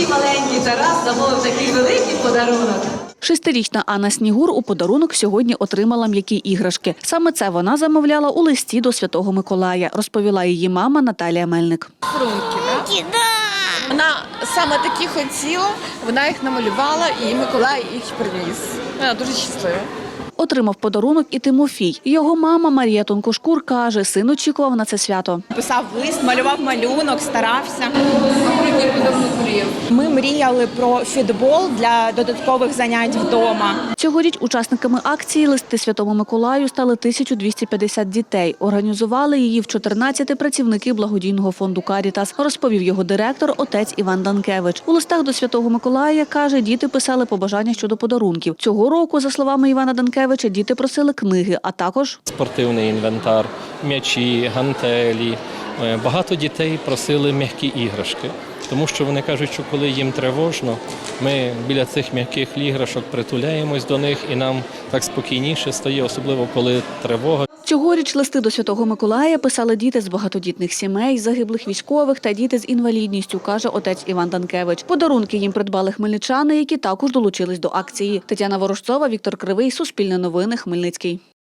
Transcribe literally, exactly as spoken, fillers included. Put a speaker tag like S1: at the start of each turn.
S1: такий маленький Тарас замовив такий великий подарунок.
S2: Шестирічна Анна Снігур у подарунок сьогодні отримала м'які іграшки. Саме це вона замовляла у листі до Святого Миколая, розповіла її мама Наталія Мельник.
S3: Фрунки, да? Вона саме такі хотіла, вона їх намалювала і Миколай їх приніс. Вона дуже щаслива.
S2: Отримав подарунок і Тимофій. Його мама Марія Тонкошкур каже, син очікував на це свято.
S4: Писав лист, малював малюнок, старався. Ми мріяли про фітбол для додаткових занять вдома.
S2: Цьогоріч учасниками акції «Листи Святому Миколаю» стали тисяча двісті п'ятдесят дітей. Організували її в чотирнадцяти працівники благодійного фонду «Карітас», розповів його директор, отець Іван Данкевич. У листах до Святого Миколая, каже, діти писали побажання щодо подарунків. Цього року, за словами Івана Данкевича, діти просили книги, а також
S5: спортивний інвентар, м'ячі, гантелі. Багато дітей просили м'які іграшки, тому що вони кажуть, що коли їм тривожно, ми біля цих м'яких іграшок притуляємось до них і нам так спокійніше стає, особливо коли тривога.
S2: Цьогоріч листи до Святого Миколая писали діти з багатодітних сімей, загиблих військових та діти з інвалідністю, каже отець Іван Данкевич. Подарунки їм придбали хмельничани, які також долучились до акції. Тетяна Ворожцова, Віктор Кривий, Суспільне новини, Хмельницький.